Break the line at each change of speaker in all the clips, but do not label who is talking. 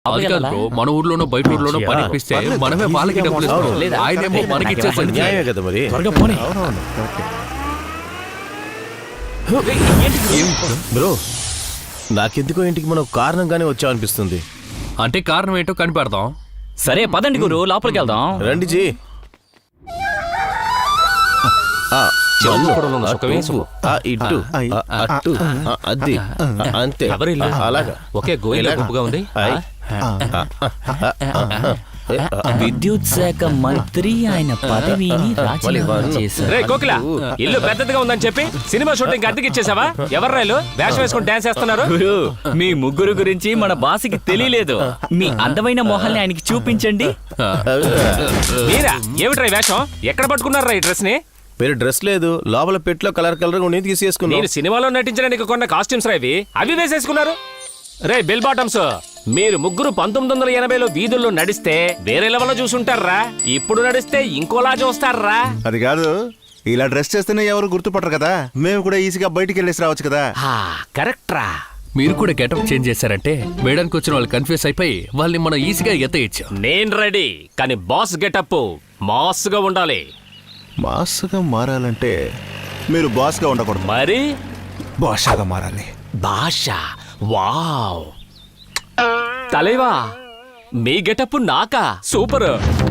అది కాదు బ్రో, మన ఊర్లోనో బయట ఊర్లోనో పని ఇప్పిస్తే మనమే వాళ్ళకి డబ్బులు ఇస్తాం, ఆయనేమో మనకి ఇచ్చేసరికి
న్యాయమే కదా మరి. బ్రో నాకెందుకో ఇంటికి మనం కారణంగానే వచ్చామనిపిస్తుంది.
అంటే కారణం ఏంటో కనిపెడతాం.
సరే పదండి గురు, లోపలికి వెళ్దాం.
రండి జీ. ఇటు అటు అది అంతే, అలాగా
ఒకే గోయిలా గుంపుగా ఉంది.
విద్యుత్ శాఖ మంత్రి ఆయన పదవిని రాజీనామా చేశారు.
రే కోకిల, ఇల్లు పెద్దదిగా ఉందని చెప్పి సినిమా షూటింగ్ అద్దెకి ఇచ్చేసావా? ఎవరు రైలు వేషం వేసుకుని డాన్స్ చేస్తున్నారు?
గురు, మీ ముగ్గురు గురించి మన బాస్కి తెలియలేదు. మీ అందమైన మొహాల్ని ఆయనకి చూపించండి.
మీరా? ఏమిట్రా ఈ వేషం? ఎక్కడ పట్టుకున్నారా ఈ డ్రెస్ ని?
మీరు డ్రెస్ లేదు, లోపల పెట్లో కలర్ కలర్ ఉండి తీసేసుకున్నాను.
నేను సినిమాలో నటించడానికి కొన్న కాస్ట్యూమ్స్ రా ఇవి, అవి వేసేసుకున్నారు. రే బెల్ బాటమ్స్, మీరు ముగ్గురు 1980లో వీధుల్లో నడిస్తే వేరే లెవెల్లో చూసుంటారా, ఇప్పుడు నడిస్తే ఇంకోలా చూస్తారా?
అది కాదు, ఇలా డ్రెస్ చేస్తేనే ఎవరు గుర్తుపట్టరు కదా, మేము కూడా ఈజీగా బయటికి వెళ్ళేసి రావచ్చు కదా.
కరెక్ట్ రా.
మీరు కూడా గెటప్ చేంజ్ చేశారంటే వేయడానికి వచ్చిన వాళ్ళు కన్ఫ్యూజ్ అయిపోయి వాళ్ళని మనం ఈజీగా ఎత్తేయచ్చు.
నేను రెడీ, కానీ బాస్ గెటప్ మాస్ గా ఉండాలి.
మాస్గా మారాలంటే మీరు బాస్గా ఉండకూడదు,
మరి
బాషాగా మారాలి.
భాష. వావ్ తలేవా, మీ గెటప్ నాకా సూపర్.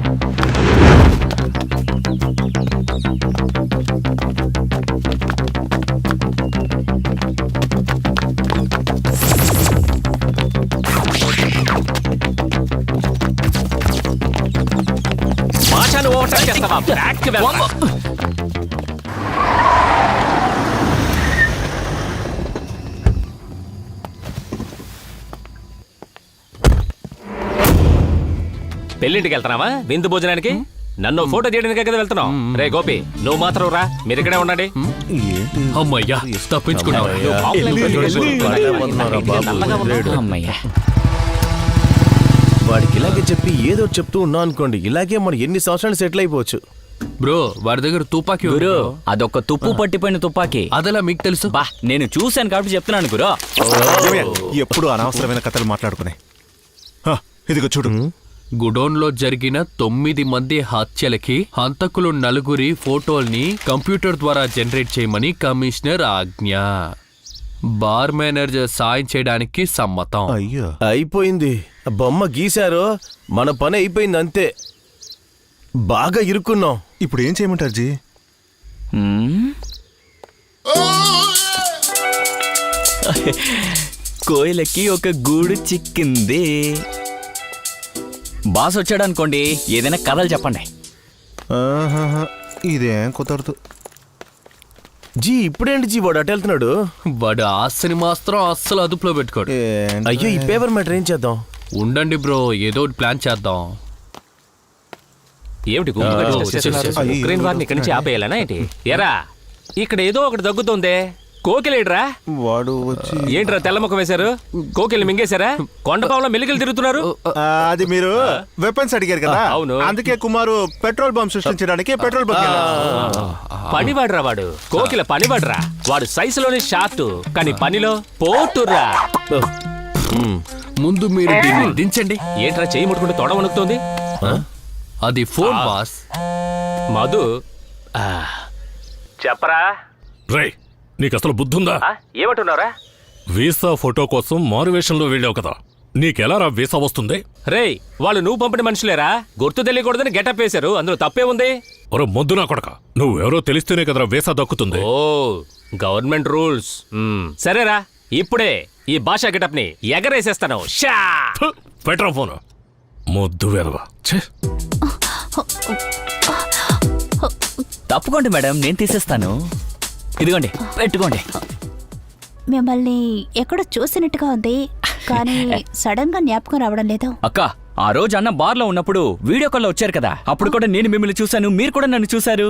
భాషను ఓవర్టేక్ చేస్తావా? బ్యాక్ కి వెళ్తా. పెళ్ళింటికి వెళ్తున్నావా? విందు భోజనానికి? నన్ను ఫోటో తీయడానికే కదా వెళ్తున్నావు. రే గోపి, నువ్వు మాత్రం రా, మీరు ఇక్కడే ఉండండి.
అమ్మయ్యా, తప్పించుకున్నావు.
అమ్మయ్య,
వాడికి ఇలాగే చెప్పి ఏదో చెప్తూ ఉన్నాం అనుకోండి, ఇలాగే మనం ఎన్ని సంవత్సరాలు సెటిల్ అయిపోవచ్చు.
బ్రో, వాడి దగ్గర తుపాకీ ఉంది
గురు,
బ్రో.
అదొక తుప్పు పట్టిపోయిన తుపాకీ.
అదెలా మీకు తెలుసు?
బా, నేను చూశాను కాబట్టి చెప్తున్నాను గురు.
ఎప్పుడు అనవసరమైన కథలు మాట్లాడుకునే. ఇదిగో చూడు,
గుడౌన్ లో జరిగిన 9 మంది హత్యలకి హంతకులు 4 ఫోటోల్ని కంప్యూటర్ ద్వారా జనరేట్ చేయమని కమిషనర్ ఆజ్ఞ. బార్ మేనేజర్ సాయం చేయడానికి సమ్మతం.
అయ్యో
అయిపోయింది, బొమ్మ గీశారో మన పని అయిపోయింది అంతే. బాగా ఇరుక్కున్నాం.
ఇప్పుడు ఏం చేయమంటారు జీ?
కోయిలకి ఒక గూడు చిక్కింది. బాస్ వచ్చాడు అనుకోండి, ఏదైనా కథలు చెప్పండి.
ఇదేం కుదరదు
జీ. ఇప్పుడేంటి జీ వాడు అటు వెళ్తున్నాడు?
వాడు ఆస్తిని మాత్రం అస్సలు అదుపులో పెట్టుకోడు.
అయ్యో, ఈ పేపర్ మ్యాటర్ ఏం చేద్దాం?
ఉండండి బ్రో, ఏదో ప్లాన్ చేద్దాం.
ఏమిటి ఉక్రెయిన్ వారిని ఇక్కడి నుంచి ఆపేయాలనా ఏంటి? ఎరా, ఇక్కడ ఏదో ఒకటి దగ్గుతోందే. కోకిలేడ్రా?
వాడు వచ్చి
ఏంట్రా తెల్లముఖం వేశారు? కోకిల్ని మింగేశారా? కొండపావులో మెలికలు తిరుగుతున్నారు.
అది మీరు వెపన్స్ అడిగారు కదా,
అవును.
అందుకే కుమారు పెట్రోల్ బంప్ సృష్టించడానికి పెట్రోల్ బంక్.
పనివాడ్రా వాడు, కోకిల పనివాడ్రా. వాడు సైజులోని షార్ట్, కానీ పనిలో పోటురా.
ముందు మీరు దీన్ని దించండి.
ఏంట్రా చేయి ముట్టుకుంటే తొడ వణుకుతోంది?
అది ఫోన్ బాస్.
మధు చెప్పరా.
రే, నీకు అసలు బుద్ధుందా?
ఏమంటున్నారా?
వీసా ఫోటో కోసం మారువేషంలో వెళ్ళావు కదా, నీకెలా రా వీసా వస్తుంది?
రే, వాళ్ళు నువ్వు పంపిన మనుషులేరా, గుర్తు తెలియకూడదని గెటప్ వేశారు, అందులో తప్పే ఉంది.
ఒరే మొద్దు నా కొడక, నువ్వెవరో తెలిస్తేనే కదరా వీసా దక్కుతుంది.
ఓ, గవర్నమెంట్ రూల్స్. సరేరా, ఇప్పుడే ఈ భాషా గెటప్ ని ఎగరేసేస్తాను.
పెట్రా ఫోన్, మొద్దు వెరవా.
తప్పుకోండి మేడం, నేను తీసేస్తాను. ఇదిగోండి, పెట్టుకోండి.
మిమ్మల్ని ఎక్కడో చూసినట్టుగా ఉంది, కానీ సడన్ గా జ్ఞాపకం రావడం లేదు.
అక్క, ఆ రోజు అన్న బార్ లో ఉన్నప్పుడు వీడియో కాల్ లో వచ్చారు కదా, అప్పుడు కూడా నేను మిమ్మల్ని చూశాను, మీరు కూడా నన్ను చూశారు.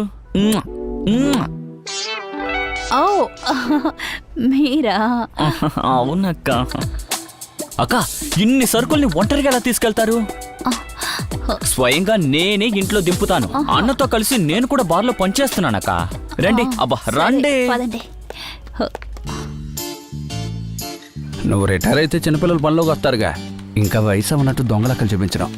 ఓ, మీరా?
అవునక్క. అక్క, ఇన్ని సరుకుల్ని ఒంటరిగా ఎలా తీసుకెళ్తారు? స్వయంగా నేనే ఇంట్లో దింపుతాను. అన్నతో కలిసి నేను కూడా బార్లో పనిచేస్తున్నానక్క. రండి, అబ్బా రండి.
నువ్వు రిటైర్ అయితే చిన్నపిల్లలు పనిలోకి వస్తారుగా,
ఇంకా వయసు ఉన్నట్టు దొంగలక్కలు చూపించడం.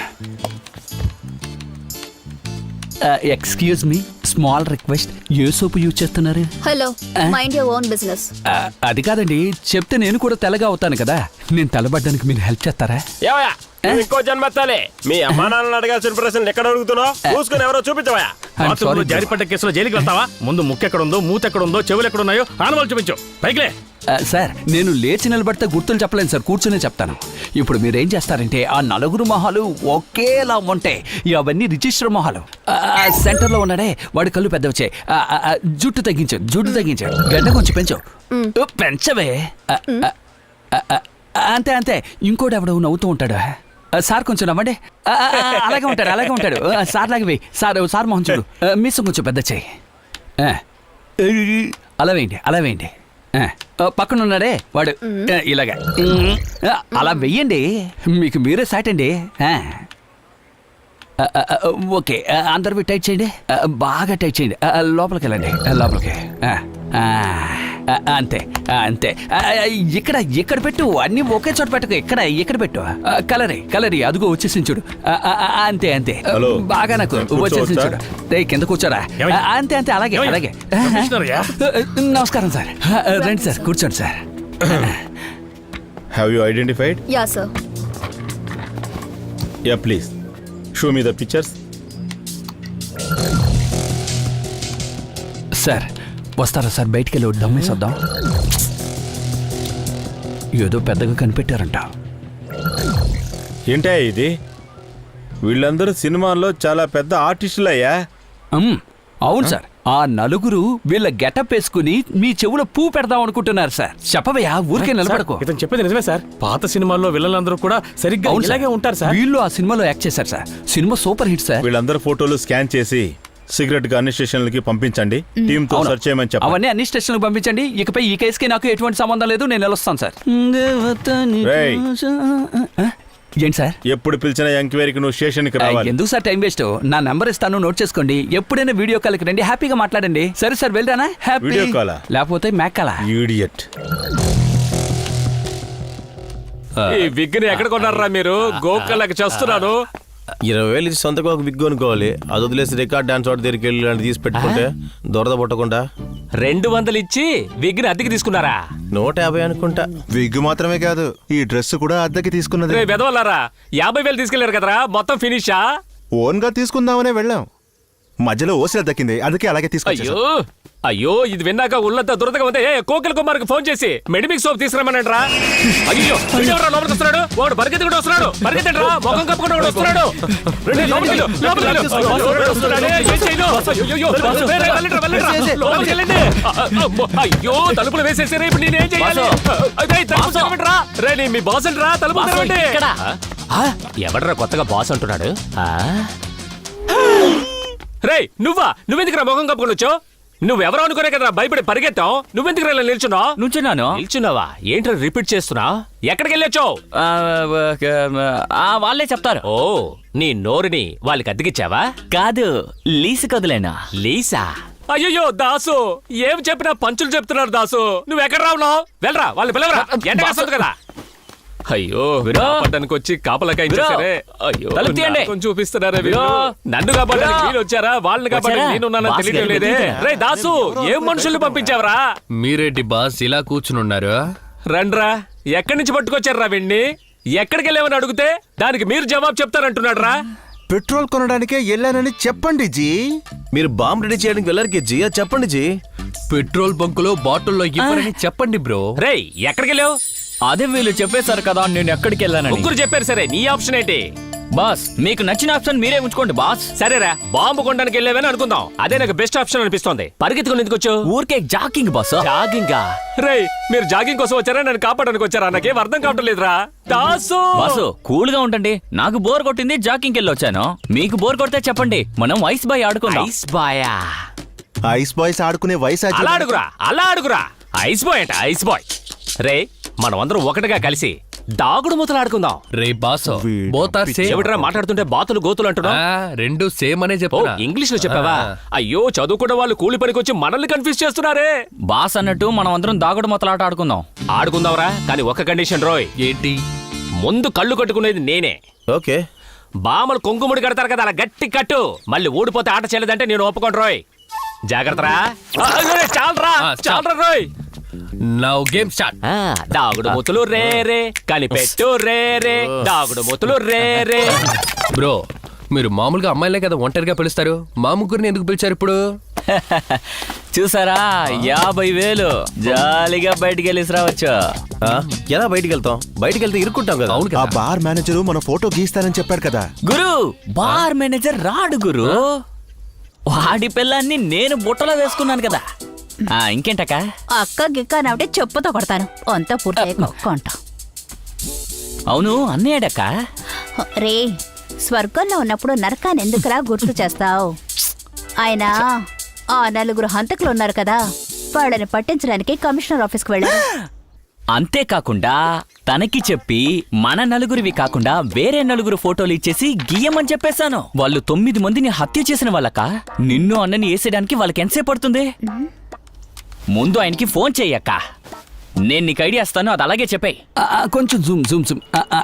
ఎక్స్క్యూజ్ మీ, స్మాల్ రిక్వెస్ట్, ఏ సోపు యూజ్ చేస్తున్నారు?
Hello, mind your own business.
అది కాదండి, చెప్తే నేను కూడా తెల్లగా అవుతాను కదా. నేను తెల్లబడ్డానికి మీరు హెల్ప్ చేస్తారా?
ఏవయ్యా, నువ్వు ఇంకో జన్మెత్తాలి. మీ అమ్మా నాన్నలు అడగాల్సిన ప్రశ్నలు ఎక్కడ అడుగుతున్నావు? చూసుకుని ఎవరో చూపించవా?
sorry,
జారిపడ్డ కేసులో జైలుకి వెళ్తావా? ముందు ముక్కు ఎక్కడుందో, మూత ఎక్కడుందో, చెవులు ఎక్కడున్నాయో ఆనవాళ్ళు చూపించు. పైకిలే.
సార్, నేను లేచి నిలబడితే గుర్తులు చెప్పలేను సార్, కూర్చునే చెప్తాను. ఇప్పుడు మీరేం చేస్తారంటే, ఆ నలుగురు మొహాలు ఒకేలా ఉంటాయి. అవన్నీ రిజిస్టర్ మొహాలు. సెంటర్లో ఉన్నాడే వాడి కళ్ళు పెద్ద వచ్చాయి. జుట్టు తగ్గించు, గడ్డ కొంచెం పెంచు. పెంచవే. అంతే అంతే. ఇంకోటి ఎవడో నవ్వుతూ ఉంటాడు. సార్ కొంచెం నవ్వండి. అలాగే ఉంటాడు. సార్ లాగే వేయి. సార్ మొహం చూడు. మీసం కొంచెం పెద్ద చేయి. అలా వేయండి. పక్కన ఉన్నాడే వాడు ఇలాగా అలా వెయ్యండి. మీకు మీరే సాట్ అండి. ఓకే, అందరివి టైట్ చేయండి. బాగా టైట్ చేయండి. లోపలికి వెళ్ళండి. లోపలికి. అంతే. ఇక్కడ పెట్టు. అన్ని ఒకే చోట పెట్టకు. ఇక్కడ పెట్టు. కలరీ అదిగో వచ్చేసి చూడు. అంతే.
హలో.
బాగా నాకు వచ్చేసి చూడు. కింద కూర్చోరా. అంతే. అలాగే. నమస్కారం సార్. రండి సార్, కూర్చోండి sir.
Have you identified?
Yeah sir.
Yeah please show me the pictures.
Sir వస్తారా సార్? బయటికి వెళ్ళి దమ్మేసొద్దాం. ఏదో పెద్దగా కనిపెట్టారంట.
ఏంటా ఇది? వీళ్ళందరూ సినిమాల్లో చాలా పెద్ద ఆర్టిస్టులు అయ్యా.
అవును సార్. ఆ నలుగురు వీళ్ళ గెటప్ వేసుకుని మీ చెవులో పూ పెడదాం అనుకుంటున్నారు సార్. చెప్పవయ్యా, ఊరికే నిలబడకు.
ఇతను చెప్పేది నిజమే సార్. పాత సినిమాల్లో విలన్లందరూ కూడా సరిగ్గా
అవును సార్.
ఇలాగే ఉంటారు సార్.
వీళ్ళు ఆ సినిమాలో యాక్ట్ చేశారు సార్. సినిమా సూపర్ హిట్ సార్.
వీళ్ళందరూ ఫోటోలు స్కాన్ చేసి సీక్రెట్ గా అన్ని స్టేషన్లకి పంపించండి. టీమ్ తో
అవును.
సెర్చ్ చేయమని చెప్పండి.
అవన్నీ అన్ని స్టేషన్లకు పంపించండి. ఇకపై ఈ కేసుకి నాకు ఎటువంటి సంబంధం లేదు. నేను వెళ్ళొస్తాను సార్.
రేయ్.
ఏంటి సార్?
ఎప్పుడు పిలిచినా ఎంక్వైరీకి నువ్వు స్టేషన్కి రావాలి.
ఎందుకు సార్ టైం వేస్ట్? నా నెంబర్ ఇస్తాను, నోట్ చేసుకోండి. ఎప్పుడైనా వీడియో కాల్కి రండి, హ్యాపీగా మాట్లాడండి. సరే సార్, వెళ్ళరానా? హ్యాపీ.
వీడియో కాలా?
లేకపోతే మేకాలా?
ఈడియట్.
ఈ విగ్ని ఎక్కడ కొన్నారా మీరు? గోకళ్ళకి చేస్తున్నాను.
20,000 ఇచ్చి సొంతగా ఒక విగ్గు అనుకోవాలి. అది వదిలేసి రికార్డ్ డాన్స్ వాటి దగ్గరికి వెళ్ళి ఇలాంటి తీసి పెట్టుకుంటే దొరద పుట్టకుండా.
200 ఇచ్చి విగ్ని అద్దెకి తీసుకున్నారా?
150 అనుకుంటా.
విగ్ మాత్రమే కాదు, ఈ డ్రెస్ కూడా అద్దెకి తీసుకున్నది.
రే వెదవల్లారా, 50,000 తీసుకెళ్లారు కదరా, మొత్తం ఫినిషా?
ఓన్ గా తీసుకుందామనే వెళ్ళాం. మధ్యలో ఓసిల దక్కింది, అందుకే అలాగే తీసుకొచ్చేసాం.
అయ్యో ఇది విన్నాక ఉళ్ళంతా దురదగా ఉంది. కోకిల కుమార్కి ఫోన్ చేసి మెడిమిక్ సోప్ తీసుకురామనంట్రా. అయ్యో వీడెవరా లోపలికి వస్తున్నాడు? వాడు పరిగెత్తి కూడా వస్తున్నాడు. పరిగెత్తండ్రా, ముఖం కప్పుకుంటూ కూడా వస్తున్నాడు. రండి, లోపలికి వెళ్ళు, లోపలికి వెళ్ళు. వస్తున్నాడే, ఏం చేయను? అయ్యో, లోపలికి వెళ్ళండి. అయ్యో తలుపులు వేసేసారా, ఇప్పుడు నేనేం చేయాలి? తలుపు తెరవండిరా. రే మీ బాస్ అంటరా, తలుపు తెరవండి. ఎవడరా కొత్తగా బాస్ అంటున్నాడు? రే నువ్వెందుకురా ముఖం కప్పుకొని వచ్చావు? నువ్వెవరో అనుకునే కదా భయపడి పరిగెత్తావు. నువ్వెందుకు నిల్చున్నావా? ఏంట్రా రిపీట్ చేస్తున్నావు? ఎక్కడికి వెళ్ళొచ్చావు?
వాళ్ళే చెప్తారు.
ఓ, నీ నోరుని వాళ్ళకి అద్దెకిచ్చావా?
కాదు, లీసు కదులేనా.
లీసా? అయ్యో దాసు, ఏం చెప్పినా పంచులు చెప్తున్నారు దాసు. నువ్వు ఎక్కడ రావున్నావు? వెళ్ళరా, వాళ్ళు పిలవరా. ఎండ కాస్తుంది కదా. అయ్యో కాపాడడానికి వచ్చి కాపలకాయ ఇచ్చేసారే. అయ్యో కొంచెం చూపిస్తున్నారే వీళ్ళు. నన్ను కాపాడడానికి వీళ్ళు వచ్చారా? వాళ్ళని కాపాడడానికి నేనున్నానని తెలియడం లేదే. రే దాసు, ఏం మనుషుల్ని పంపించావరా?
మీరేంటి బాస్ ఇలా కూర్చునున్నారు?
రండ్రా, ఎక్కడి నుంచి పట్టుకొచ్చారా వీణ్ణి? ఎక్కడికి వెళ్ళామని అడిగితే దానికి మీరు జవాబు చెప్తారంటున్నాడు రా.
పెట్రోల్ కొనడానికే వెళ్ళానని చెప్పండి జీ.
మీరు బాంబు రెడీ చేయడానికి వెళ్ళారు జీ, అది చెప్పండి జీ.
పెట్రోల్ బంకులో బాటిల్లో ఇవ్వరని చెప్పండి బ్రో.
రే ఎక్కడికి వెళ్ళావు?
అదే వీళ్ళు చెప్పేశారు కదా నేను ఎక్కడికి వెళ్ళానని.
ముగ్గురు చెప్పారు, సరే నీ ఆప్షన్ ఏంటి?
బాస్, మీకు నచ్చిన ఆప్షన్ మీరే ఉంచుకోండి బాస్.
సరేరా, బాంబు కొనడానికి వెళ్ళావని అనుకుందాం. అదే నాకు బెస్ట్ ఆప్షన్ అనిపిస్తోంది. పరిగెత్తుకుని ఎందుకు వచ్చావు?
ఊరికే జాకింగ్ బాస్.
జాగింగా? రే మీరు జాగింగ్ కోసం వచ్చారా, నన్ను కాపాడడానికి వచ్చారా? నాకేం అర్థం కావటం లేదురా. దాసు
బాసు, కూల్ గా ఉండండి. నాకు బోర్ కొట్టింది, జాకింగ్ వెళ్ళి వచ్చాను. మీకు బోర్ కొడితే చెప్పండి, మనం ఐస్ బాయ్ ఆడుకుందాం.
ఐస్ బాయా?
ఐస్ బాయ్స్ ఆడుకునే వయసు
అలా అడుగురా. ఐస్ బాయ్ అంట, ఐస్ బాయ్. రే మనం అందరం ఒకటిగా కలిసి దాగుడు మూతలు ఆడుకుందాం.
రే బాస్, బోత్ సేమ్.
ఎవడరా మాట్లాడుతుంటే బాతులు గోతులు అంటున్నావు?
రెండు సేమ్ అనే చెప్తా.
ఇంగ్లీష్ లో చెప్పావా? అయ్యో చదువుకున్న వాళ్ళు కూలి పనికి వచ్చి మనల్ని కన్ఫ్యూజ్ చేస్తున్నారే.
బాస్ అన్నట్టు మనం అందరం దాగుడు మొత్తలాట ఆడుకుందాంరా.
కానీ ఒక కండిషన్ రోయ్.
ఏంటి?
ముందు కళ్ళు కట్టుకునేది నేనే.
ఓకే.
బామలు కొంగుముడి కడతారు కదా, అలా గట్టి కట్టు. మళ్ళీ ఊడిపోతే ఆట చెల్లదంటే నేను ఒప్పుకోను రోయ్. జాగ్రత్తరా. చాలరా చాలరా రోయ్.
Now game start.
దాగుడు మూతులు రే రే, కనిపెట్టు రే రే, దాగుడు మూతులు రే రే.
బ్రో, మీరు మామూలుగా అమ్మాయిలే కదా ఒంటరిగా పిలుస్తారు, మా ముగ్గురిని ఎందుకు పిలిచారు ఇప్పుడు?
చూసారా 50,000 జాలీగా బయటికి వెళ్ళేసి రావచ్చు.
ఆ, ఎలా బయటికి వెళ్తాం? బయటికి వెళ్తే ఇరుక్కుంటాం కదా.
అవును
ఆ
కదా.
బార్ మేనేజరు మన ఫోటో గీస్తానని చెప్పాడు కదా.
గురు, బార్ మేనేజర్ రాడు గురు. వాడి పిల్లాన్ని నేను బుట్టలో వేసుకున్నాను కదా. ఇంకేంటక్క?
అక్క గిక్క అంటే చెప్పుతో కొడతాను. అంతా పూర్తయ్యాక కొంట.
అవును, అన్నయ్యడక్క.
రే, స్వర్గంలో ఉన్నప్పుడు నరకాన్ని ఎందుకులా గుర్తు చేస్తావు? ఆయన ఆ 4 హంతకులు ఉన్నారు కదా, వాళ్ళని పట్టించడానికి కమిషనర్ ఆఫీస్కి వెళ్ళారు.
అంతేకాకుండా తనకి చెప్పి మన 4 కాకుండా వేరే 4 ఫోటోలు ఇచ్చేసి గీయమని చెప్పేశాను. వాళ్ళు 9 మందిని హత్య చేసిన వాళ్ళక. నిన్ను అన్నని వేసేయడానికి వాళ్ళకి ఎంతసేపు పడుతుంది? ముందు ఆయనకి ఫోన్ చెయ్యక్క. నేను నీకు ఐడియా ఇస్తాను, అది అలాగే చెప్పాయి.
కొంచెం జూమ్ జూమ్ జూమ్.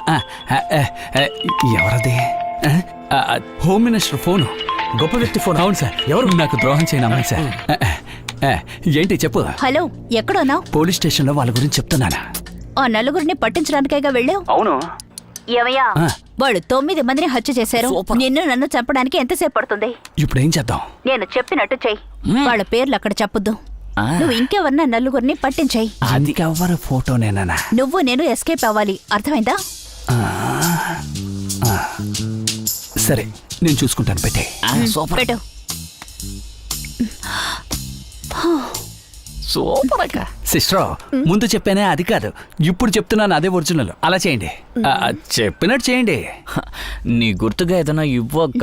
ఎవరది? Home minister phone. గొప్ప వ్యక్తి ఫోన్. అవును సార్. ఎవరు? నాకు ద్రోహం చేయను అమ్మాయి సార్. ఏంటి చెప్పు.
హలో, ఎక్కడున్నావు?
పోలీస్ స్టేషన్లో వాళ్ళ గురించి చెప్తున్నానా?
ఆ 4 పట్టించడానికైగా వెళ్ళావు.
అవును.
ఏమయ్యా, వాళ్ళు 9 మందిని హత్య చేశారు. నిన్ను నన్ను చంపడానికి ఎంతసేపు పడుతుంది?
ఇప్పుడు ఏం చేద్దాం?
నేను చెప్పినట్టు చెయ్యి. వాళ్ళ పేర్లు అక్కడ చెప్పొద్దు. నువ్వు ఇంకెవరన్నా 4 పట్టించాయి.
అది ఎవరి ఫోటోనేనా?
నువ్వు నేను ఎస్కేప్ అవ్వాలి, అర్థమైందా?
సరే, నేను చూసుకుంటాను. పెట్టే.
సూపర్
పెట్టు.
సూపర్ అక్క.
సిస్టర్, ముందు చెప్పానే అది కాదు, ఇప్పుడు చెప్తున్నాను అదే ఒరిజినల్. అలా చేయండి. చెప్పినట్టు చేయండి.
నీ గుర్తుగా ఏదైనా ఇవ్వక్క.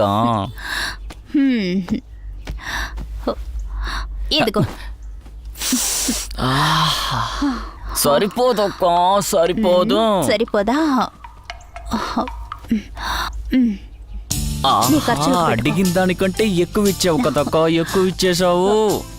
ఇదిగో.
సరిపోదక్క, సరిపోదు.
సరిపోదా?
ఆహా,
నీ ఖర్చులకు పెట్టుకో.
అడిగిన దానికంటే ఎక్కువ ఇచ్చావు కదక్క, ఎక్కువ ఇచ్చేసావు.